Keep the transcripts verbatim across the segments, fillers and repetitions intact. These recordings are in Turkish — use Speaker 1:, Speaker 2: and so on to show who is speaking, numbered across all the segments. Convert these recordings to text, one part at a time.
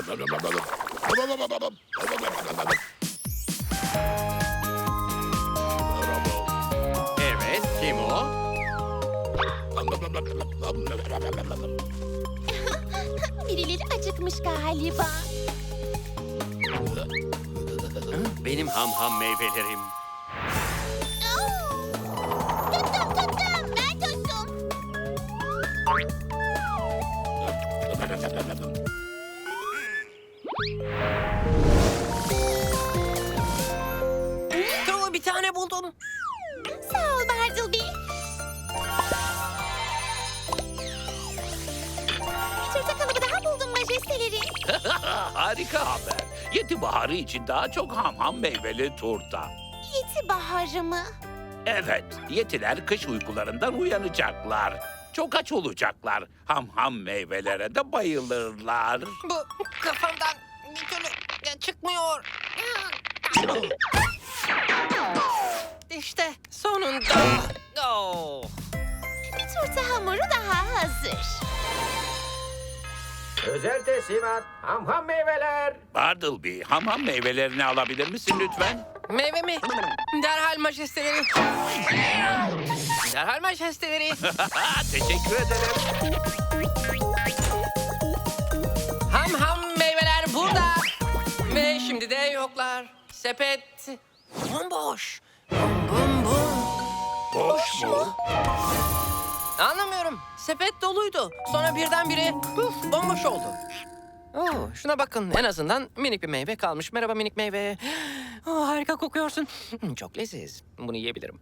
Speaker 1: Evet, kim o?
Speaker 2: Birileri acıkmış galiba.
Speaker 1: Benim ham ham meyvelerim.
Speaker 2: Oo! Tuttum tuttum. Ben tuttum.
Speaker 3: True, bir tane buldum.
Speaker 2: Sağ ol Bartleby. Bir turta kalıbı daha buldum majesteleri.
Speaker 4: Harika haber. Yedi baharı için daha çok ham ham meyveli turta.
Speaker 2: Yeti baharı mı?
Speaker 4: Evet, yetiler kış uykularından uyanacaklar. Çok aç olacaklar. Ham ham meyvelere de bayılırlar.
Speaker 3: Bu kafamdan bir türlü çıkmıyor. İşte sonunda. Oh.
Speaker 2: Bir turta hamuru daha hazır.
Speaker 5: Özel teslimat, ham ham meyveler.
Speaker 4: Bartleby, ham ham meyvelerini alabilir misin lütfen?
Speaker 3: Meyve mi? Derhal majesteleri. Derhal majesteleri.
Speaker 4: Teşekkür ederim.
Speaker 3: Ham ham meyveler burada. Ve şimdi de yoklar. Sepet bomboş. Bum bum bum.
Speaker 4: Boş mu?
Speaker 3: Anlamıyorum. Sepet doluydu. Sonra birdenbire puf bomboş oldu. Oo, şuna bakın. En azından minik bir meyve kalmış. Merhaba minik meyve. Oh, harika kokuyorsun. Hmm, Çok leziz. Bunu yiyebilirim.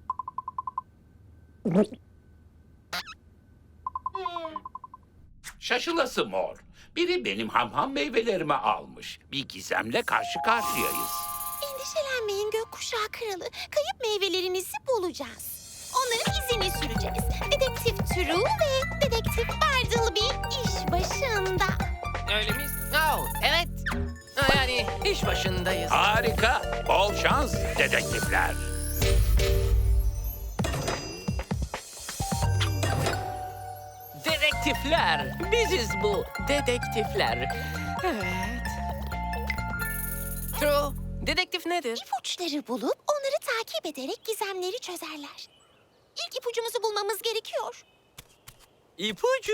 Speaker 4: Şaşılası mor. Biri benim ham ham meyvelerimi almış. Bir gizemle karşı karşıyayız.
Speaker 2: Endişelenmeyin gökkuşağı kralı. Kayıp meyvelerinizi bulacağız. Onların izini süreceğiz. Dedektif True ve Dedektif Bartleby iş başında.
Speaker 3: Öyle miyiz? Oh, evet. Ha, Yani iş başındayız.
Speaker 4: Harika. Bol şans dedektifler.
Speaker 3: Dedektifler. Biziz bu. Dedektifler. Evet. True. Dedektif nedir?
Speaker 2: İpuçları bulup onları takip ederek gizemleri çözerler. İlk ipucumuzu bulmamız gerekiyor.
Speaker 3: İpucu.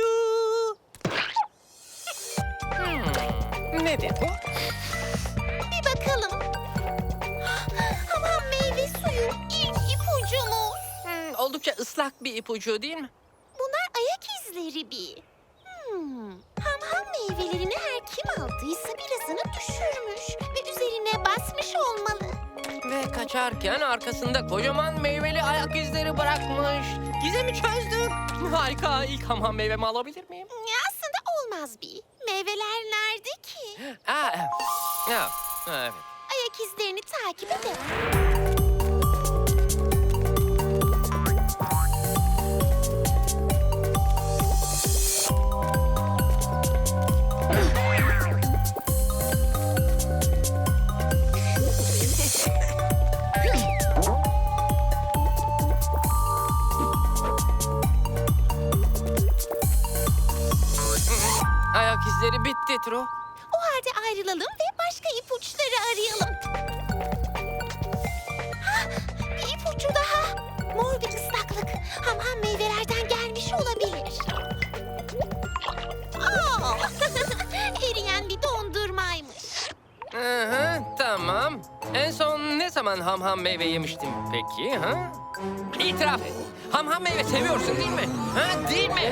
Speaker 3: Hmm, nedir bu?
Speaker 2: Bir bakalım. Hamam meyve suyu ilk ipucumuz.
Speaker 3: Hmm, oldukça ıslak bir ipucu değil mi?
Speaker 2: Bunlar ayak izleri bir. Hmm. Hamam meyvelerini her kim aldıysa birazını düşürmüş ve üzerine basmış olmalı.
Speaker 3: Ve kaçarken arkasında kocaman meyveli ayak izleri bırakmış. Gizemi çözdük. Harika. İlk hamam meyvemi alabilir miyim?
Speaker 2: Ya aslında olmaz bir. Meyveler nerede ki?
Speaker 3: Aa, evet. Ya, evet.
Speaker 2: Ayak izlerini takip edelim.
Speaker 3: Ayak izleri bitti Tro.
Speaker 2: O halde ayrılalım ve başka ipuçları arayalım. Hah, bir ipucu daha. Mor bir ıslaklık. Hamam meyvelerden gelmiş olabilir. Aa, eriyen bir dondurmaymış.
Speaker 3: Hı hı, tamam. En son ne zaman ham ham meyve yemiştim peki? Ha? İtiraf et. Ham ham meyve seviyorsun değil mi? Ha, değil mi?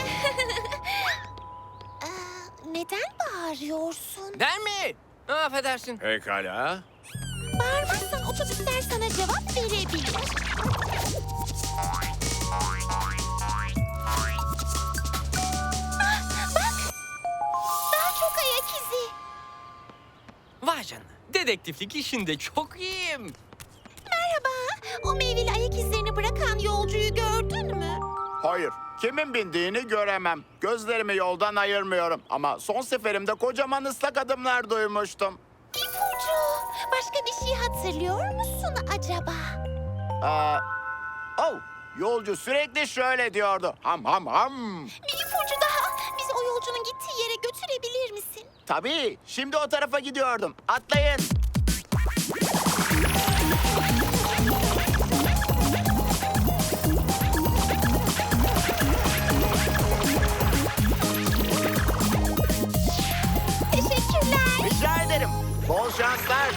Speaker 2: Aa, neden bağırıyorsun?
Speaker 3: Der mi? Affedersin.
Speaker 1: Pekala.
Speaker 2: Bağırmazsan otobüsler sana cevap verebilir. Ah, bak! Daha çok ayak izi.
Speaker 3: Vay canına. Dedektiflik işinde çok iyiyim.
Speaker 2: Merhaba. O meyveli ayak izlerini bırakan yolcuyu gördün mü?
Speaker 6: Hayır. Kimin bindiğini göremem. Gözlerimi yoldan ayırmıyorum. Ama son seferimde kocaman ıslak adımlar duymuştum.
Speaker 2: İpucu. Başka bir şey hatırlıyor musun acaba?
Speaker 6: Aa, oh, yolcu sürekli şöyle diyordu. Ham ham ham.
Speaker 2: Bir ipucu daha. Bizi o yolcunun gittiği yere götürebilir misin?
Speaker 6: Tabii, şimdi o tarafa gidiyordum. Atlayın.
Speaker 2: Teşekkürler.
Speaker 6: Rica ederim. Bol şanslar.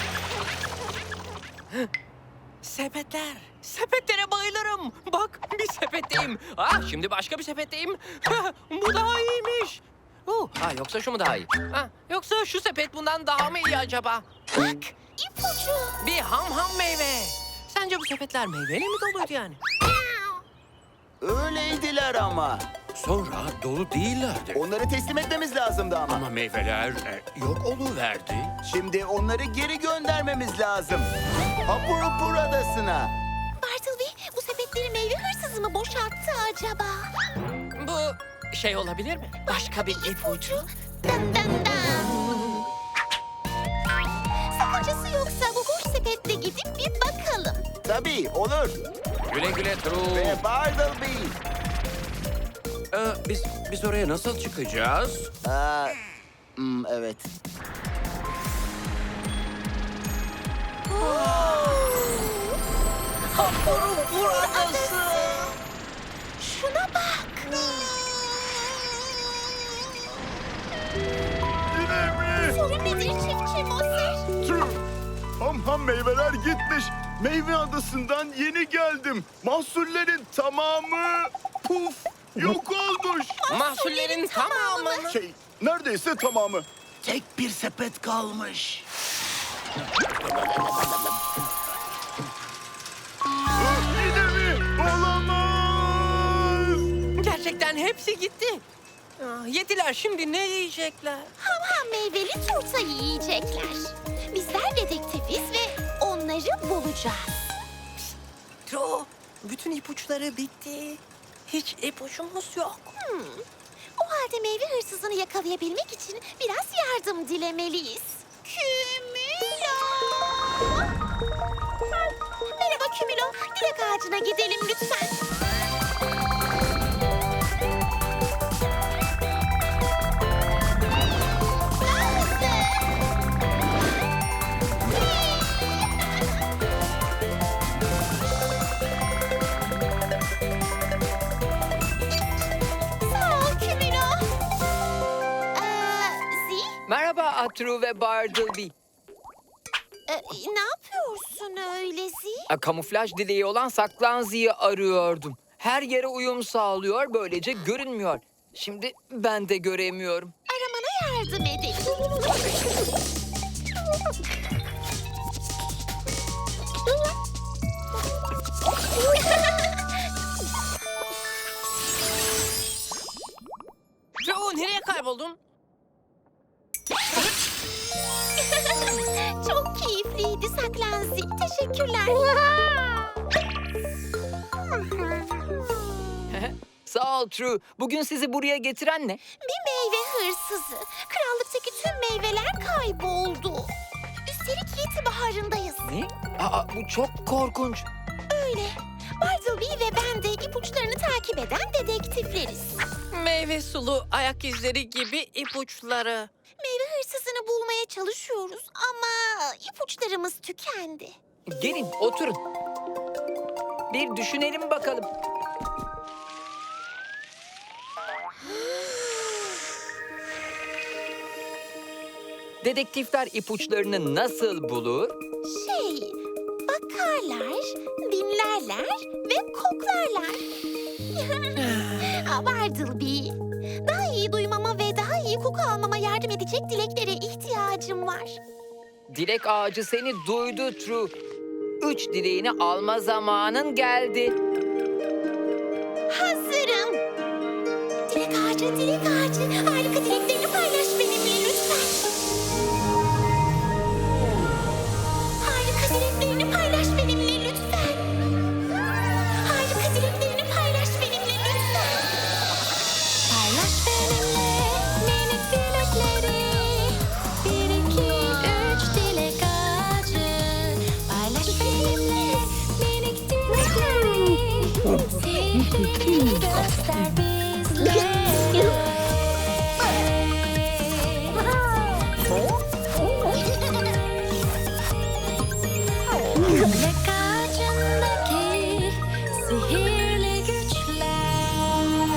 Speaker 3: Sepetler. Sepetlere bayılırım. Bak bir sepetteyim. Ah şimdi başka bir sepetteyim. Bu daha iyiymiş. Uh, ha, yoksa şu mu daha iyi? Ha, yoksa şu sepet bundan daha mı iyi acaba?
Speaker 2: Bak, ipucu.
Speaker 3: Bir ham ham meyve. Sence bu sepetler meyveyle mi doluydu yani?
Speaker 6: Öyleydiler ama.
Speaker 1: Sonra dolu değillerdi.
Speaker 6: Onları teslim etmemiz lazımdı ama.
Speaker 1: Ama meyveler e, yok oluverdi.
Speaker 6: Şimdi onları geri göndermemiz lazım. Hapurupur Adası'na.
Speaker 2: Bartleby, bu sepetleri meyve hırsızı mı boşalttı acaba?
Speaker 3: Bu şey olabilir mi? Başka bir ipucu.
Speaker 2: Dan dan dan. Sakıncası yoksa bu boş sepetle gidip bir bakalım.
Speaker 6: Tabii, olur.
Speaker 1: Güle güle True.
Speaker 6: Ve Bartleby.
Speaker 1: Ee, biz, biz oraya nasıl çıkacağız?
Speaker 6: Aa, hmm, evet.
Speaker 2: Hapurupur Adası. Şuna bak. Sorun nedir çiftçi Moser?
Speaker 7: Ham ham meyveler gitmiş. Meyve adasından yeni geldim. Mahsullerin tamamı puf yok olmuş.
Speaker 3: Mahsullerin tamamı mı?
Speaker 7: Şey neredeyse tamamı.
Speaker 6: Tek bir sepet kalmış.
Speaker 7: Ah, yine mi? Olamaz.
Speaker 3: Gerçekten hepsi gitti. Ah, yediler şimdi ne yiyecekler?
Speaker 2: Ham ham meyveli turta yiyecekler. Bizler dedektifiz ve onları bulacağız.
Speaker 3: Tro, bütün ipuçları bitti. Hiç ipucumuz yok.
Speaker 2: Hmm. O halde meyve hırsızını yakalayabilmek için biraz yardım dilemeliyiz. Kümülo! Merhaba Kümülo. Dilek ağacına gidelim lütfen. Daha hızlı. Sağ ol Kümülo. Ee, Zi,
Speaker 8: Merhaba Atru ve Bartleby.
Speaker 2: e, ne yapıyorsun öyle Zi?
Speaker 8: E, Kamuflaj dileği olan Saklanzi'yi arıyordum. Her yere uyum sağlıyor, böylece görünmüyor. Şimdi ben de göremiyorum.
Speaker 2: Aramana yardım edelim.
Speaker 3: Tro, nereye kayboldun?
Speaker 2: Çok keyifliydi Saklanzi. Teşekkürler.
Speaker 8: Sağ ol True. Bugün sizi buraya getiren ne?
Speaker 2: Bir meyve hırsızı. Krallıktaki tüm meyveler kayboldu. Üstelik yedi baharındayız.
Speaker 8: Ne? Aa, bu çok korkunç.
Speaker 2: Öyle. Bartleby ve ben de ipuçlarını takip eden dedektifleriz.
Speaker 3: Meyve sulu ayak izleri gibi ipuçları.
Speaker 2: Meyve hırsızını bulmaya çalışıyoruz ama ipuçlarımız tükendi.
Speaker 8: Gelin, oturun. Bir düşünelim bakalım. Dedektifler ipuçlarını nasıl bulur?
Speaker 2: Şey, bakarlar, dinlerler ve koklarlar. Aa, Bartleby, daha iyi duymama ve daha iyi koku almama yardım edecek dileklere ihtiyacım var.
Speaker 8: Dilek ağacı seni duydu True. Üç dileğini alma zamanın geldi.
Speaker 2: Hazırım. Dilek ağacı, dilek ağacı. Harika dileklerini paylaş benimle lütfen. Harika dileklerini paylaş benimle lütfen. Harika dileklerini paylaş benimle lütfen. Paylaş benimle minik dilekleri. Bir, iki, üç dilek ağacı. Paylaş benimle minik dilekleri. Sihrini göster bizlere.
Speaker 9: Dilek ağacındaki sihirli güçler.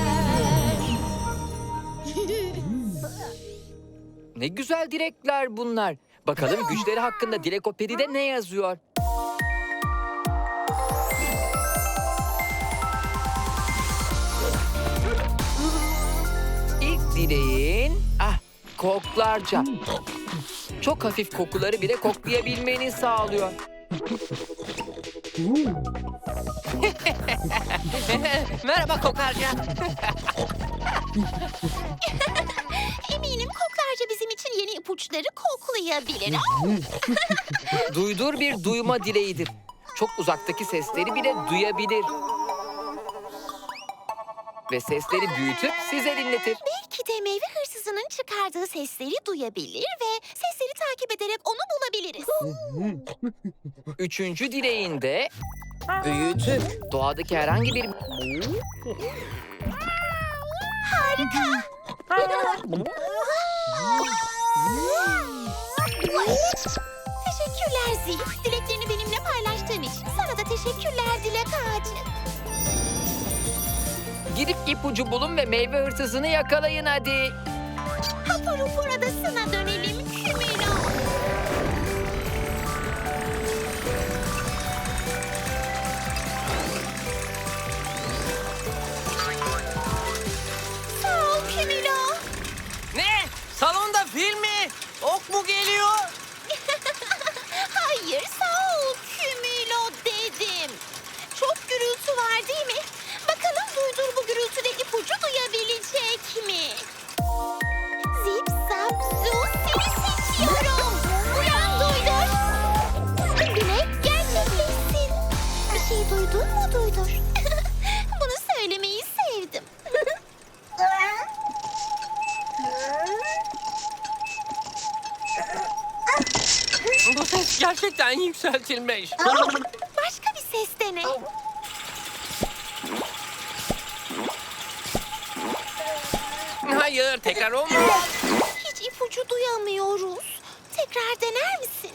Speaker 8: Ne güzel dilekler bunlar. Bakalım güçleri hakkında Dilekopedi'de ne yazıyor? İlk dileğin... Ah, koklarca. Çok hafif kokuları bile koklayabilmeni sağlıyor.
Speaker 3: Merhaba kokarca.
Speaker 2: Eminim koklarca bizim için yeni ipuçları koklayabilir.
Speaker 8: Duydur bir duyma dileğidir. Çok uzaktaki sesleri bile duyabilir. Ve sesleri büyütüp size dinletir.
Speaker 2: Belki de meyve hırsızının çıkardığı sesleri duyabilir ve sesleri takip ederek onu bulabiliriz.
Speaker 8: Üçüncü dileğinde büyütüp doğadaki herhangi bir...
Speaker 2: Teşekkürler Zil. Dileklerini benimle paylaştığın için. Sana da teşekkürler Dilek Ağacı.
Speaker 8: Gidip ipucu bulun ve meyve hırsızını yakalayın hadi.
Speaker 2: Hapur hupur adasına dönelim Kümülo. Sağ ol Kümülo.
Speaker 3: Ne? Salonda film mi? Ok mu geliyor?
Speaker 2: Hayır sağ ol Kümülo dedim. Çok gürültü var değil mi? Bakalım Duydur bu gürültüde ipucu duyabilecek mi? Zip zap zoo seni seçiyorum. Uyan Duydur. Dilek gerçekleşsin. Bir şey duydun mu Duydur? Bunu söylemeyi sevdim.
Speaker 3: Bu ses gerçekten yükseltilmiş.
Speaker 2: Başka bir ses dene.
Speaker 3: Hayır, tekrar olmaz.
Speaker 2: Hiç ipucu duyamıyoruz. Tekrar dener misin?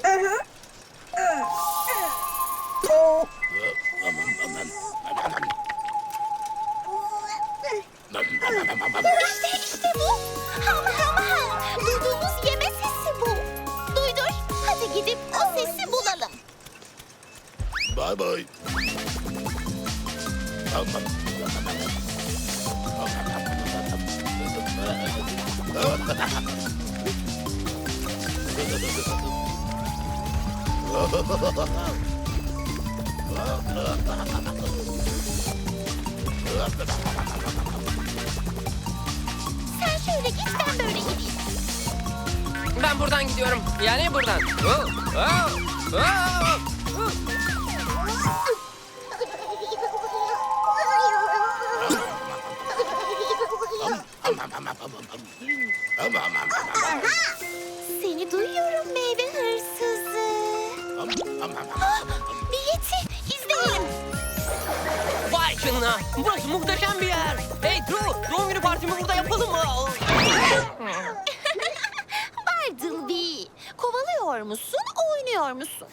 Speaker 2: İşte işte bu. Ham ham ham. Duyduğumuz yeme sesi bu. Duydur. Hadi gidip o sesi bulalım.
Speaker 7: Bay bay.
Speaker 2: Sen şöyle git ben böyle gideyim.
Speaker 3: Ben buradan gidiyorum. Yani buradan. Oh, oh, oh.
Speaker 2: Seni duyuyorum meyve hırsızı. Ah, bir yeti. İzleyelim.
Speaker 3: Vay canına. Burası muhteşem bir yer. Hey Drew, doğum günü partimi burada yapalım mı?
Speaker 2: Bartleby. Kovalıyor musun, oynuyor musun?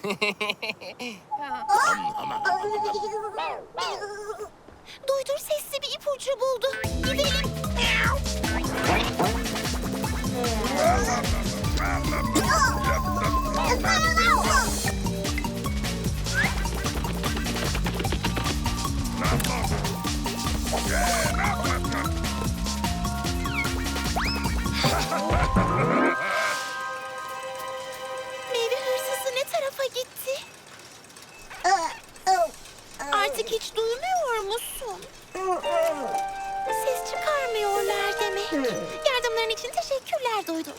Speaker 2: Duydur sesli bir ipucu buldu. Gidelim. Meyve hırsızı ne tarafa gitti? Artık hiç duymuyor musun? Ses çıkarmıyorlar demek. Yardımların için teşekkürler Duydur.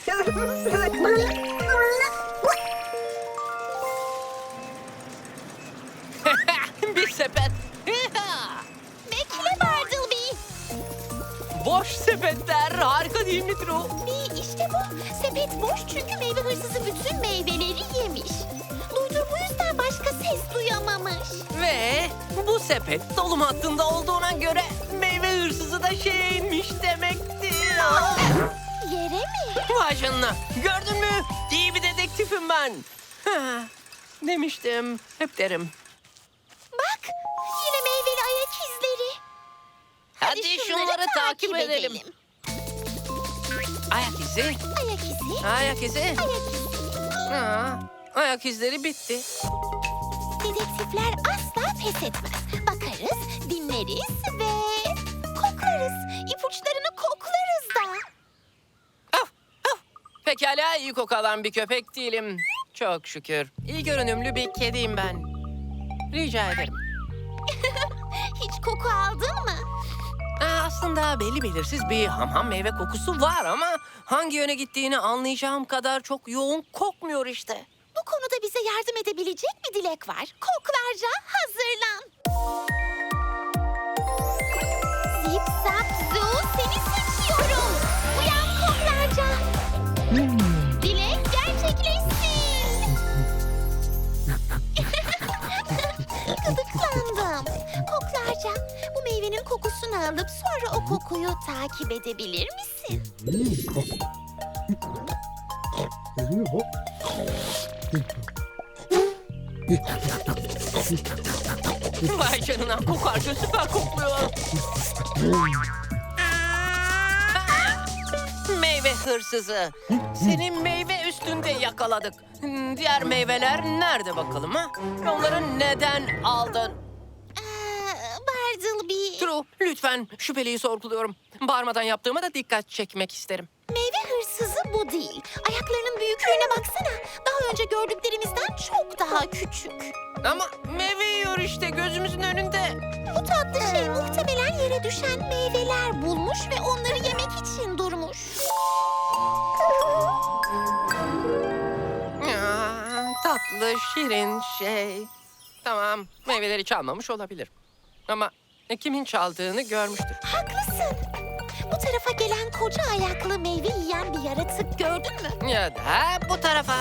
Speaker 3: Bir sepet.
Speaker 2: Bekle Bartleby.
Speaker 3: Boş sepetler. Harika değil mi Drew?
Speaker 2: Bir işte bu. Sepet boş çünkü meyve hırsızı bütün meyveleri yemiş. Duydur bu yüzden başka ses duyamamış.
Speaker 3: Ve bu sepet dolum hattında olduğuna göre meyve hırsızı da şeye inmiş demektir.
Speaker 2: Yere mi?
Speaker 3: Vay canına. Gördün mü? İyi bir dedektifim ben. Demiştim. Hep derim.
Speaker 2: Bak, yine meyveli ayak izleri.
Speaker 3: Hadi, şunları takip edelim. Ayak izi.
Speaker 2: Ayak izi,
Speaker 3: Ayak izi.
Speaker 2: ayak izi.
Speaker 3: Aa, ayak izleri bitti.
Speaker 2: Dedektifler asla pes etmez. Bakarız, dinleriz ve koklarız. İpuçlarını koklarız da.
Speaker 3: Af, af. Pekala iyi koku alan bir köpek değilim. Çok şükür. İyi görünümlü bir kediyim ben. Rica ederim.
Speaker 2: Hiç koku aldın mı?
Speaker 3: Aa, aslında belli belirsiz bir hamham meyve kokusu var ama hangi yöne gittiğini anlayacağım kadar çok yoğun kokmuyor işte.
Speaker 2: Bu konuda bize yardım edebilecek bir dilek var. Koklarca hazırlan. Zip zap zoo, seni seçiyorum. Uyan koklarca. Dilek gerçekleşsin. Gıdıklandım. Koklarca, bu meyvenin kokusunu alıp sonra o kokuyu takip edebilir misin?
Speaker 3: Vay canına kokarca süper kokluyor. Meyve hırsızı. Seni meyve üstünde yakaladık. Hmm, Diğer meyveler nerede bakalım ha? Onları neden aldın?
Speaker 2: Aa, Bartleby.
Speaker 3: True, lütfen şüpheliyi sorguluyorum. Bağırmadan yaptığıma da dikkat çekmek isterim.
Speaker 2: Meyve hırsızı bu değil. Ayaklarının büyüklüğüne baksana. Daha önce gördüklerimizden çok daha küçük.
Speaker 3: Ama meyve yiyor işte gözümüzün önünde.
Speaker 2: Bu tatlı şey muhtemelen yere düşen meyveler bulmuş ve onları yemek için durmuş.
Speaker 3: Aa, tatlı, şirin şey. Tamam, meyveleri çalmamış olabilir. Ama e, kimin çaldığını görmüştür.
Speaker 2: Haklısın. Bu tarafa gelen koca ayaklı meyve yiyen bir yaratık gördün mü?
Speaker 3: Ya da bu tarafa.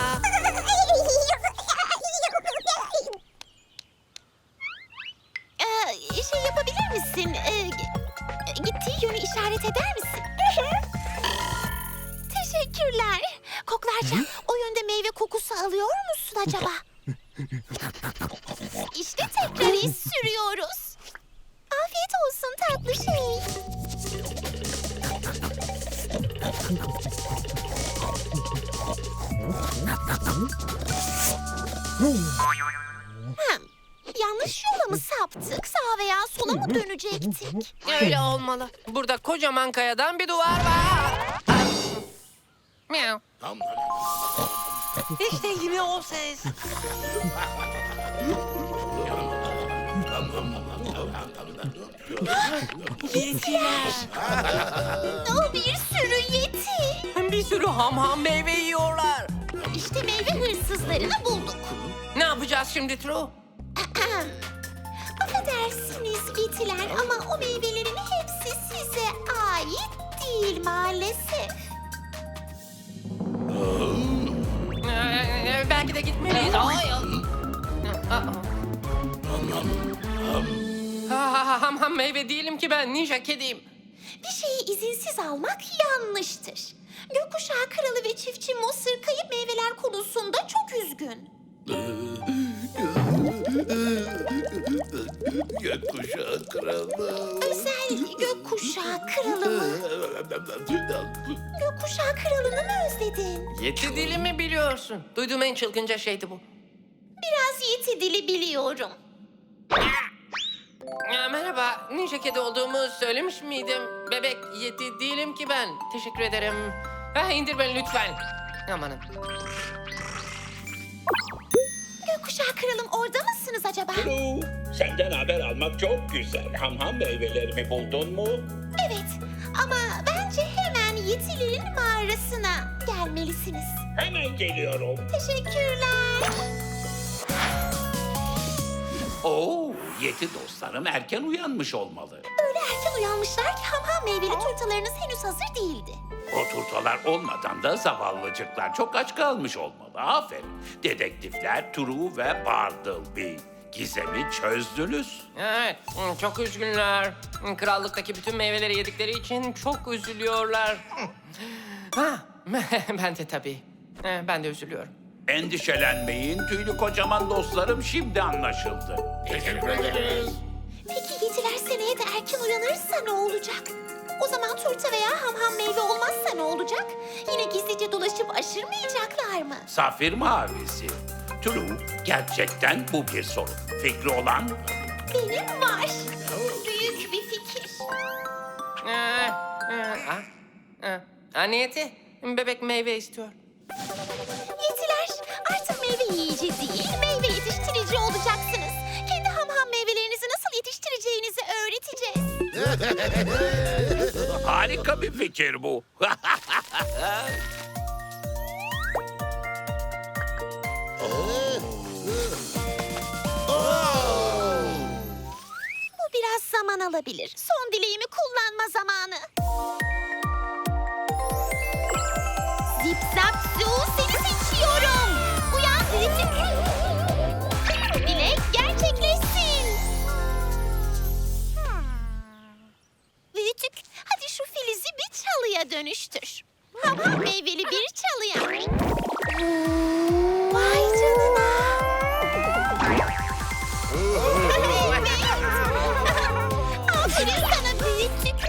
Speaker 2: Ee, şey yapabilir misin? Ee, g- gittiği yönü işaret eder misin? Teşekkürler. Koklarca o yönde meyve kokusu alıyor musun acaba? İşte tekrar iz sürüyoruz. Afiyet olsun tatlı şey. Hem, yanlış yola mı saptık? Sağa veya sola mı dönecektik?
Speaker 3: Öyle olmalı. Burada kocaman kayadan bir duvar var. Miau. İşte yine o ses. Yetiler.
Speaker 2: O bir sürü yeti.
Speaker 3: Bir sürü ham ham meyve yiyorlar.
Speaker 2: İşte meyve hırsızlarını bulduk.
Speaker 3: Ne yapacağız şimdi True?
Speaker 2: Affedersiniz yetiler ama o meyvelerin hepsi size ait değil maalesef.
Speaker 3: Ee, belki de gitmeliyiz. Ay. Aa. Ha, ham ham meyve değilim ki ben, ninja kediyim.
Speaker 2: Bir şeyi izinsiz almak yanlıştır. Gökkuşağı kralı ve çiftçi Mosır kayıp meyveler konusunda çok üzgün.
Speaker 7: Gökkuşağı kralı.
Speaker 2: Özel gökkuşağı kralı mı? Gökkuşağı kralını mı özledin?
Speaker 3: Yeti dili mi biliyorsun? Duyduğum en çılgınca şeydi bu.
Speaker 2: Biraz yeti dili biliyorum.
Speaker 3: Ya, merhaba, ninja kedi olduğumu söylemiş miydim? Bebek yeti değilim ki ben. Teşekkür ederim. Ha, indir beni lütfen. Amanın.
Speaker 2: Gökkuşağı kralım orada mısınız acaba?
Speaker 4: True, senden haber almak çok güzel. Hamham meyvelerimi buldun mu?
Speaker 2: Evet ama bence hemen yetilerin mağarasına gelmelisiniz.
Speaker 4: Hemen geliyorum.
Speaker 2: Teşekkürler.
Speaker 4: Oo, yeti dostlarım erken uyanmış olmalı.
Speaker 2: Öyle erken uyanmışlar ki hamham meyveli turtalarınız henüz hazır değildi.
Speaker 4: O turtalar olmadan da zavallıcıklar çok aç kalmış olmalı. Aferin. Dedektifler True ve Bartleby. Gizemi çözdünüz.
Speaker 3: Evet, çok üzgünler. Krallıktaki bütün meyveleri yedikleri için çok üzülüyorlar. Ha, ben de tabii. Ben de üzülüyorum.
Speaker 4: Endişelenmeyin tüylü kocaman dostlarım, şimdi anlaşıldı.
Speaker 7: Teşekkür ederiz.
Speaker 2: Peki yediler seneye de erken uyanırsa ne olacak? O zaman turta veya hamham meyve olmazsa ne olacak? Yine gizlice dolaşıp aşırmayacaklar mı?
Speaker 4: Safir mavisi. True, gerçekten bu bir sorun. Fikri olan?
Speaker 2: Benim var. Büyük bir fikir.
Speaker 3: Ee, e, ah, ah. Ha, Niyeti, bebek meyve istiyor.
Speaker 2: Yetiler, artık meyve yiyici değil, meyve yetiştirici olacaksınız. Kendi hamham meyvelerinizi nasıl yetiştireceğinizi öğreteceğiz.
Speaker 4: Harika bir fikir bu.
Speaker 2: Bu biraz zaman alabilir. Son dileğimi kullanma zamanı. Zip zap zoo, seni seçiyorum. Uyan Rütük. Dilek gerçekleşsin. Rütük, hadi şu filizi bir çalıya dönüştür. Hamam meyveli bir çalıya. Vay canına. Aferin sana büyütük.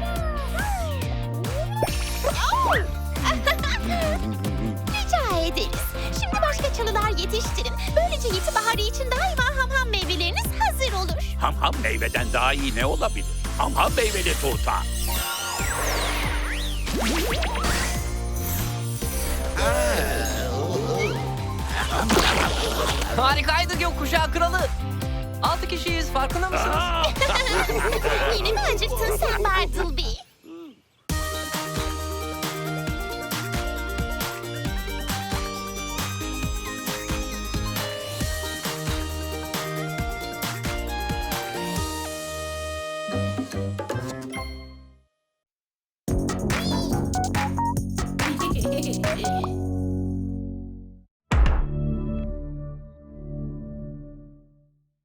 Speaker 2: Rica ederiz. Şimdi başka çalılar yetiştirin. Böylece Yeti Baharı için daima hamham meyveleriniz hazır olur.
Speaker 4: Ham ham meyveden daha iyi ne olabilir? Ham ham meyveli turta.
Speaker 3: Harikaydı gökkuşağı kralı. Altı kişiyiz, farkında mısınız?
Speaker 2: Yine mi acıktın sen?